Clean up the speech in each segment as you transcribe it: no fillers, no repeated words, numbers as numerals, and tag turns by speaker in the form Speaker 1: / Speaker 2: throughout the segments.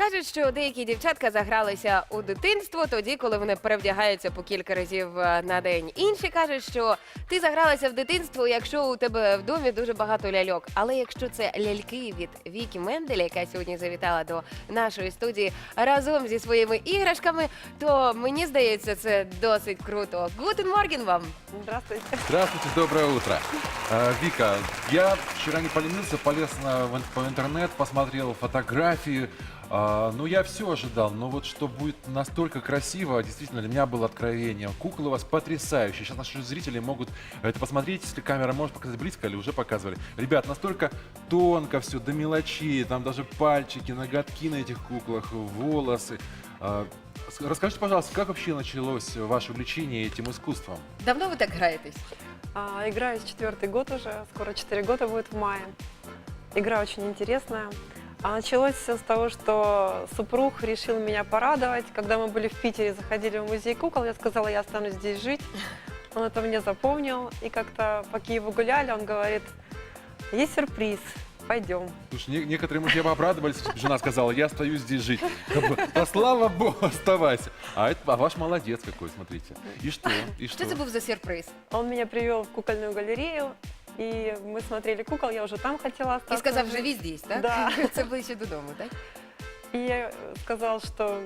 Speaker 1: Кажуть, що деякі дівчатка загралися у дитинство тоді, коли вони перевдягаються по кілька разів на день. Інші кажуть, що ти загралася в дитинство, якщо у тебе в домі дуже багато ляльок. Але якщо це ляльки від Вікі Мендель, яка сьогодні завітала до нашої студії разом зі своїми іграшками, то мені здається, це досить круто. Гутен морген вам!
Speaker 2: Здравствуйте.
Speaker 3: Здравствуйте, доброе утро. Вика, я вчера не поленился, полез по интернет, посмотрел фотографии. Ну, я все ожидал, но вот что будет настолько красиво, действительно, для меня было откровением. Куклы у вас потрясающие. Сейчас наши зрители могут это посмотреть, если камера может показать близко или уже показывали. Ребят, настолько тонко все, до мелочей, там даже пальчики, ноготки на этих куклах, волосы. Расскажите, пожалуйста, как вообще началось ваше увлечение этим искусством?
Speaker 1: Давно ви так граєтесь?
Speaker 2: Играю с 4-й год уже, скоро 4 года будет в мае. Игра очень интересная. А началось все с того, что супруг решил меня порадовать. Когда мы были в Питере, заходили в музей кукол, я сказала, я останусь здесь жить. Он это мне запомнил. И как-то по Киеву гуляли, он говорит, есть сюрприз, пойдем.
Speaker 3: Слушай, некоторые мужья бы обрадовались, если бы жена сказала, я остаюсь здесь жить. Как бы, да слава богу, оставайся. А ваш молодец какой, смотрите. И что? И
Speaker 1: Що
Speaker 3: что?
Speaker 1: це був за сюрприз?
Speaker 2: Он меня привел в кукольную галерею, и мы смотрели кукол, я уже там хотела остаться.
Speaker 1: І сказав, живі здесь, так?
Speaker 2: Да.
Speaker 1: Це ближче додому, так?
Speaker 2: И я сказал, что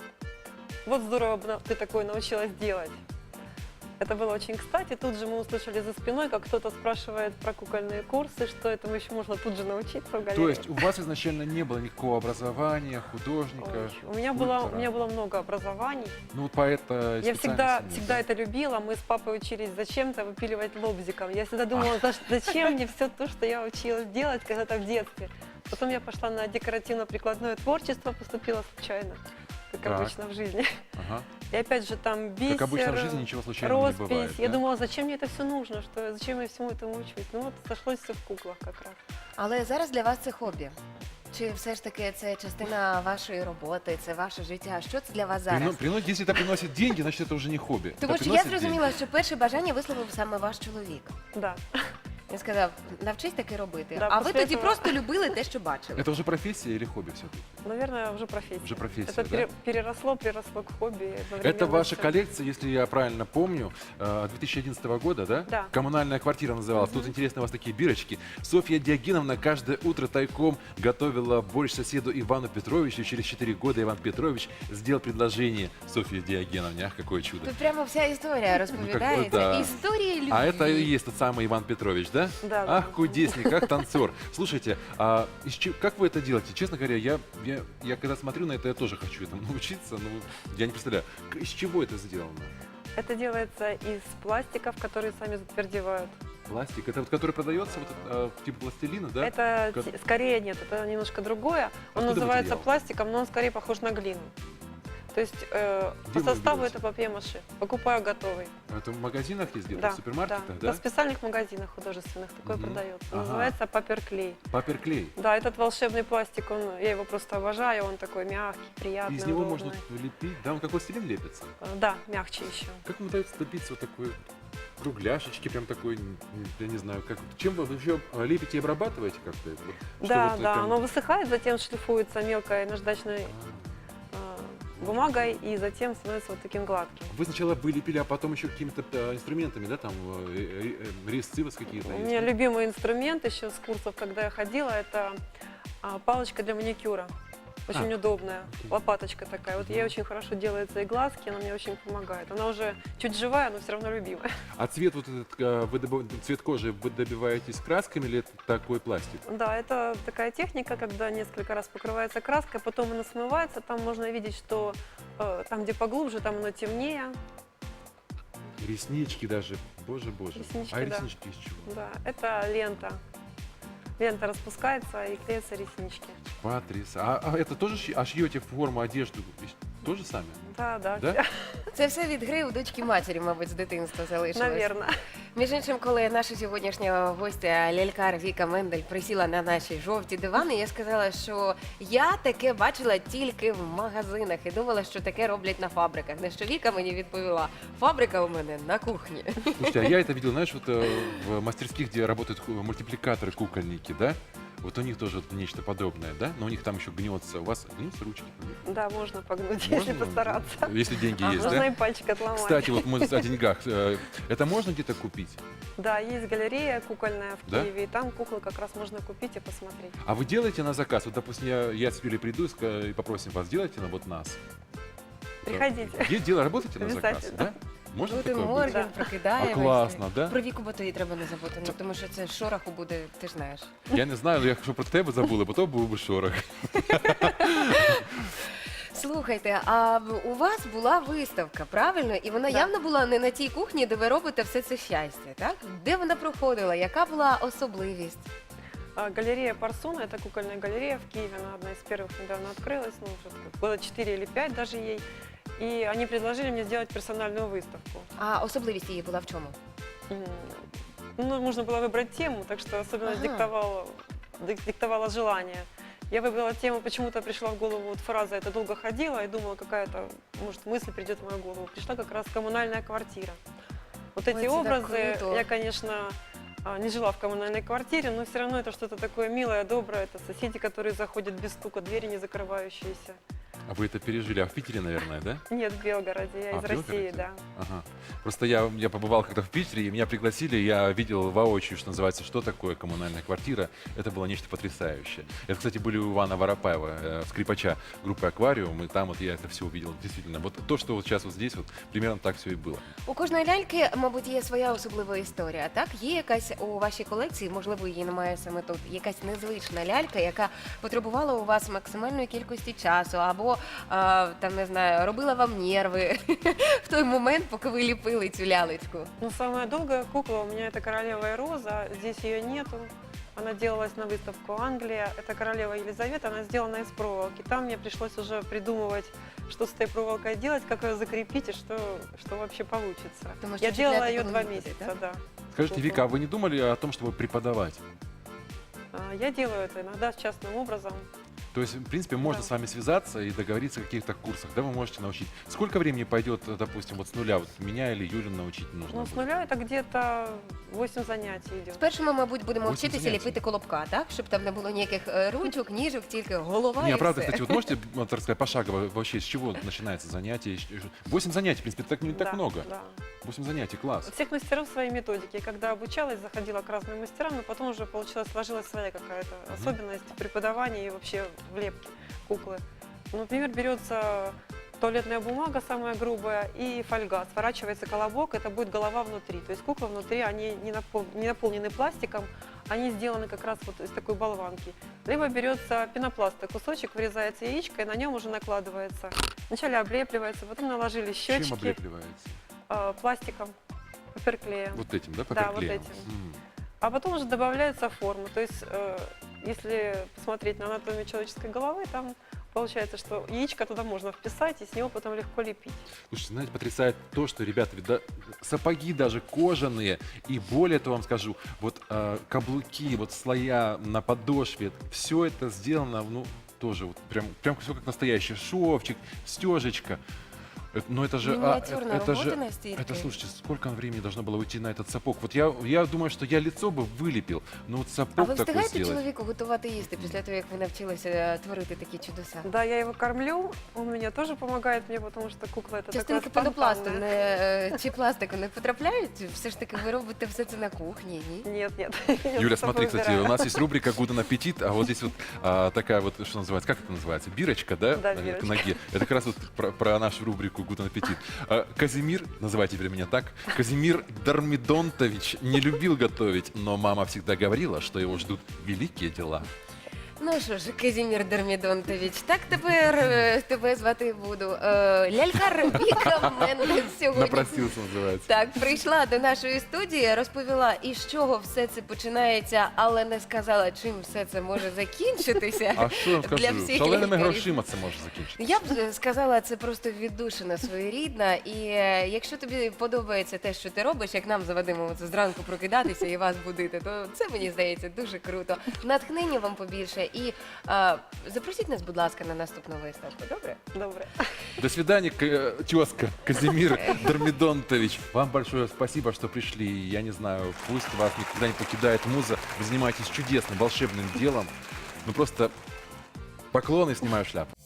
Speaker 2: вот здорово бы ты такое научилась делать. Это было очень кстати. Тут же мы услышали за спиной, как кто-то спрашивает про кукольные курсы, что этому еще можно тут же научиться в галерее.
Speaker 3: То есть у вас изначально не было никакого образования, художника?
Speaker 2: Ой, у меня
Speaker 3: скульптора?
Speaker 2: было много образований.
Speaker 3: Ну вот поэта
Speaker 2: Я всегда
Speaker 3: специальности нет,
Speaker 2: это любила. Мы с папой учились зачем-то выпиливать лобзиком. Я всегда думала, зачем мне все то, что я училась делать когда-то в детстве. Потом я пошла на декоративно-прикладное творчество, поступила случайно, как
Speaker 3: Так.
Speaker 2: обычно в жизни.
Speaker 3: да? Ага.
Speaker 2: И опять же там бисер,
Speaker 3: Как обычно в жизни ничего случайного не
Speaker 2: роспись.
Speaker 3: бывает.
Speaker 2: Я
Speaker 3: да?
Speaker 2: думала, зачем мне это все нужно, зачем я всему этому учусь. Ну вот сошлось все в куклах как раз.
Speaker 1: Але зараз для вас це хобі. Чи все ж таки це частина вашої роботи, це ваше життя? Що це для вас зараз?
Speaker 3: Если это приносит деньги, значит это уже не хобби.
Speaker 1: Тому
Speaker 3: Это
Speaker 1: що я
Speaker 3: приносит
Speaker 1: зрозуміла, що перше бажання висловив саме ваш чоловік.
Speaker 2: Да.
Speaker 1: Він сказав, навчись таке робити.
Speaker 2: Да,
Speaker 1: А ви
Speaker 2: після
Speaker 1: тоді
Speaker 2: цього-
Speaker 1: просто любили те, що бачили.
Speaker 3: деньги. Это уже профессия или хобби все-таки?
Speaker 2: Наверное, уже профессия.
Speaker 3: Уже профессия,
Speaker 2: Это
Speaker 3: да?
Speaker 2: приросло к хобби.
Speaker 3: Это
Speaker 2: одновременно
Speaker 3: ваша
Speaker 2: всё.
Speaker 3: коллекция, если я правильно помню, 2011 года, да?
Speaker 2: Да.
Speaker 3: Коммунальная квартира называлась. Тут интересно у вас такие бирочки. Софья Диогеновна каждое утро тайком готовила борщ соседу Ивану Петровичу. Через 4 года Иван Петрович сделал предложение Софье Диогеновне. Ах, какое чудо.
Speaker 1: Тут прямо вся історія розповідається.
Speaker 3: да.
Speaker 1: Історія любві.
Speaker 3: А это и есть тот самый Иван Петрович, да?
Speaker 2: Да,
Speaker 3: Ах,
Speaker 2: да.
Speaker 3: кудесник, как танцор. Слушайте, как вы это делаете? Честно говоря, я когда смотрю на это, я тоже хочу этому научиться. Ну, я не представляю, из чего это сделано?
Speaker 2: Это делается из пластиков, которые сами затвердевают.
Speaker 3: Пластик, это вот который продается, вот, типа пластилина, да?
Speaker 2: Это
Speaker 3: Как-
Speaker 2: скорее нет, это немножко другое. Он
Speaker 3: Откуда
Speaker 2: называется
Speaker 3: материал?
Speaker 2: пластиком, но он скорее похож на глину. То есть по
Speaker 3: вы
Speaker 2: составу
Speaker 3: берете?
Speaker 2: это папье-маше. Покупаю готовый.
Speaker 3: Это в магазинах есть где-то,
Speaker 2: Да,
Speaker 3: в супермаркетах,
Speaker 2: да.
Speaker 3: да?
Speaker 2: В специальных магазинах художественных такое
Speaker 3: Мгм.
Speaker 2: продается.
Speaker 3: Ага.
Speaker 2: Называется папер-клей.
Speaker 3: Папер-клей.
Speaker 2: Да, этот волшебный пластик, я его просто обожаю, он такой мягкий, приятный,
Speaker 3: Из него
Speaker 2: удобный.
Speaker 3: можно лепить, да, он как пластилин лепится.
Speaker 2: Да, мягче еще.
Speaker 3: Как вам удается добиться вот такой кругляшечки, прям такой, я не знаю, как, чем вы еще лепите и обрабатываете как-то? Вот, что
Speaker 2: Да,
Speaker 3: вот
Speaker 2: да,
Speaker 3: прям-
Speaker 2: оно высыхает, затем шлифуется мелкой наждачной бумагой и затем становится вот таким гладким.
Speaker 3: Вы сначала вылепили, а потом еще какими-то инструментами, да, там резцы у вас какие-то
Speaker 2: У
Speaker 3: есть?
Speaker 2: меня любимый инструмент еще с курсов, когда я ходила, это палочка для маникюра. Очень удобная,
Speaker 3: окей.
Speaker 2: лопаточка такая. Вот ей очень хорошо делаются и глазки, она мне очень помогает. Она уже чуть живая, но все равно любимая.
Speaker 3: А цвет вот этот, цвет кожи вы добиваетесь красками или это такой пластик?
Speaker 2: Да, это такая техника, когда несколько раз покрывается краской, потом она смывается. Там можно видеть, что там, где поглубже, там оно темнее.
Speaker 3: Реснички даже, боже.
Speaker 2: Реснички,
Speaker 3: А
Speaker 2: да.
Speaker 3: реснички из чего?
Speaker 2: Да, это лента. Лента распускается и клеятся реснички.
Speaker 3: Потрясающе. А это тоже шьете форму одежды тоже сами?
Speaker 2: Да, да,
Speaker 3: Да?
Speaker 1: Це все від гри у дочки матері, мабуть, з дитинства залишилось.
Speaker 2: наверное.
Speaker 1: Між іншим, коли наша сьогоднішня гостя лялькар Віка Мендель присіла на наші жовті дивани, я сказала, що я таке бачила тільки в магазинах і думала, що таке роблять на фабриках. На що Віка мені відповіла, фабрика у мене на кухні.
Speaker 3: Слушайте, а я это видел, знаешь, вот в мастерских, где работают мультипликаторы, кукольники, да? Вот у них тоже вот нечто подобное, да? Но у них там еще гнется. У вас гнется ручки?
Speaker 2: Да, можно погнуть,
Speaker 3: Можно?
Speaker 2: если постараться.
Speaker 3: Если деньги есть,
Speaker 2: Можно
Speaker 3: да?
Speaker 2: и пальчик отломать.
Speaker 3: Кстати, вот мы о деньгах. Это можно где-то купить?
Speaker 2: Да, есть галерея кукольная в
Speaker 3: Да?
Speaker 2: Киеве, и там куклы как раз можно купить и посмотреть.
Speaker 3: А вы делаете на заказ? Вот, допустим, я с Юлей приду и попросим вас, сделайте на вот нас.
Speaker 2: Приходите.
Speaker 3: Работаете на заказ,
Speaker 2: Обязательно.
Speaker 3: да? Можно
Speaker 1: Бути
Speaker 3: такое быть?
Speaker 1: морген,
Speaker 2: Да.
Speaker 3: А
Speaker 1: прокидаємося.
Speaker 3: класно, да?
Speaker 1: Про Віку Батої треба не забути, ну, тому що це шороху буде, ти ж знаєш.
Speaker 3: Я не знаю, якщо про тебе забули, бо то був би шорох.
Speaker 1: Слухайте, а у вас була виставка, правильно? І вона
Speaker 2: Да.
Speaker 1: явно була не на тій кухні, де ви робите все це щастя, так? Де вона проходила? Яка була особливість?
Speaker 2: Галерея Парсуна, это кукольная галерея в Киеве, она одна из первых недавно открылась, ну, уже было 4 или 5 даже ей. И они предложили мне сделать персональную выставку.
Speaker 1: А особливість її була в чому?
Speaker 2: М, Ну, можно было выбрать тему, так что особенность
Speaker 1: Ага.
Speaker 2: диктовала желание. Я выбрала тему, почему-то пришла в голову вот фраза «это долго ходила» и думала, какая-то, может, мысль придет в мою голову. Пришла как раз коммунальная квартира. Вот
Speaker 1: Ой,
Speaker 2: эти
Speaker 1: это так
Speaker 2: образы,
Speaker 1: круто.
Speaker 2: я, конечно, не жила в коммунальной квартире, но все равно это что-то такое милое, доброе. Это соседи, которые заходят без стука, двери не закрывающиеся.
Speaker 3: А вы это пережили? А в Питере, наверное, да?
Speaker 2: Нет, в Белгороде, я
Speaker 3: А,
Speaker 2: из
Speaker 3: в
Speaker 2: России,
Speaker 3: Белгороде?
Speaker 2: да.
Speaker 3: Ага. Просто я побывал когда в Питере, и меня пригласили, я видел воочию, что называется, что такое коммунальная квартира. Это было нечто потрясающее. Это, кстати, были у Ивана Воропаева, скрипача группы «Аквариум», и там вот я это все увидел. Действительно, вот то, что вот сейчас вот здесь, вот примерно так все и было.
Speaker 1: У кожної ляльки, мабуть, є своя особлива історія, так? Є якась у вашій колекції, можливо, її немає саме тут, якась незвична лялька, яка потребувала у вас максимальної кількості часу, або, там, не знаю, робила вам нерви в той момент, поки ви ліпили цю лялечку.
Speaker 2: Ну, самая долгая кукла у меня это королева и роза. Здесь ее нету. Она делалась на выставку Англия. Это королева Елизавета, она сделана из проволоки. Там мне пришлось уже придумывать, что с этой проволокой делать, как ее закрепить и что вообще получится.
Speaker 1: Потому что
Speaker 2: Я делала
Speaker 1: чехляты
Speaker 2: ее
Speaker 1: было
Speaker 2: 2
Speaker 1: не будет,
Speaker 2: месяца, да.
Speaker 3: Скажите,
Speaker 2: Куклу.
Speaker 3: Вика, а вы не думали о том, чтобы преподавать?
Speaker 2: Я делаю это иногда частным образом.
Speaker 3: То есть, в принципе, можно
Speaker 2: Да.
Speaker 3: с вами связаться и договориться о каких-то курсах, да, вы можете научить. Сколько времени пойдет, допустим, вот с нуля, вот меня или Юлю научить нужно
Speaker 2: Ну, с
Speaker 3: будет?
Speaker 2: нуля это где-то 8 занятий идет.
Speaker 1: Спершу ми, мабуть, будемо
Speaker 3: Восемь
Speaker 1: вчитися
Speaker 3: заняття.
Speaker 1: ліпити колобка, так? Щоб там не було ніяких ручок, ніжок, тільки голова
Speaker 3: Не,
Speaker 1: і
Speaker 3: а правда,
Speaker 1: все.
Speaker 3: кстати, вот можете вот, рассказать пошагово вообще, с чего начинается занятие? 8 занятий, в принципе, так не так
Speaker 2: Да,
Speaker 3: много.
Speaker 2: Да.
Speaker 3: 8 занятий, класс.
Speaker 2: У всех мастеров свои методики. Когда обучалась, заходила к разным мастерам, но потом уже получилось, сложилась своя какая-то особенность преподавания и вообще влепки куклы. Ну, например, берется туалетная бумага самая грубая и фольга. Сворачивается колобок, это будет голова внутри. То есть кукла внутри, они не наполнены пластиком, они сделаны как раз вот из такой болванки. Либо берется пенопласта, кусочек, вырезается яичко, и на нем уже накладывается. Вначале облепливается, потом наложили щечки
Speaker 3: Чем облепливается?
Speaker 2: пластиком, паперклеем.
Speaker 3: Вот этим, да,
Speaker 2: Да, вот
Speaker 3: паперклеем?
Speaker 2: этим.
Speaker 3: М.
Speaker 2: А потом уже добавляются формы. То есть, если посмотреть на анатомию человеческой головы, там получается, что яичко туда можно вписать, и с него потом легко лепить.
Speaker 3: Слушайте, знаете, потрясает то, что, ребята, ведь сапоги даже кожаные, и более того вам скажу, вот каблуки, вот слоя на подошве, все это сделано, ну, тоже вот прям все как настоящий шовчик, стежечка. Но это же,
Speaker 1: Миниатюрная
Speaker 3: это
Speaker 1: работа
Speaker 3: же,
Speaker 1: настолько.
Speaker 3: это, слушайте, сколько времени должно было уйти на этот сапог? Вот я думаю, что я лицо бы вылепил, но вот
Speaker 1: А
Speaker 3: сапог
Speaker 1: ви
Speaker 3: такой
Speaker 1: встигаєте
Speaker 3: сделать.
Speaker 1: чоловіку готувати їсти після того, як ви навчилися творити такі чудеса?
Speaker 2: Да, я его кормлю, он меня тоже помогает мне, потому что кукла это
Speaker 1: Частинки
Speaker 2: такое
Speaker 1: пенопласту
Speaker 2: спонтанное.
Speaker 1: чи пластику не потрапляють? Все ж таки ви робите все це на кухні, ні?
Speaker 2: Нет, нет. я
Speaker 3: Юля,
Speaker 2: за собой
Speaker 3: смотри, кстати,
Speaker 2: убираю.
Speaker 3: у нас есть рубрика «Гуден аппетит», а вот здесь вот такая вот, что называется, как это называется, бирочка, да,
Speaker 2: Да,
Speaker 3: к
Speaker 2: бирочка.
Speaker 3: ноге. Это как раз вот про нашу рубрику «Гуден аппетит». Казимир, называй теперь меня так, Казимир Дармидонтович не любил готовить, но мама всегда говорила, что его ждут великие дела.
Speaker 1: Ну що ж, Казімір Дермідонтович, так тепер тебе звати буду. Лялькар Віка Мендес сьогодні.
Speaker 3: Напросился, называется.
Speaker 1: Так, прийшла до нашої студії, розповіла, із чого все це починається, але не сказала, чим все це може закінчитися.
Speaker 3: А що я вам
Speaker 1: Для
Speaker 3: скажу?
Speaker 1: всіх
Speaker 3: Шаленими
Speaker 1: лікарів.
Speaker 3: грошима це може закінчитися.
Speaker 1: Я б сказала, це просто віддушина своєрідна. І якщо тобі подобається те, що ти робиш, як нам заведемо це зранку прокидатися і вас будити, то це мені здається дуже круто. Натхнення вам побільше І запросіть нас, будь ласка, на наступну виставку. Добре?
Speaker 2: Доброе.
Speaker 3: До свидания, тезка Казимир Дормидонтович. Вам большое спасибо, что пришли. Я не знаю, пусть вас никогда не покидает муза. Вы занимаетесь чудесным, волшебным делом. Ну просто поклоны, снимаю шляпу.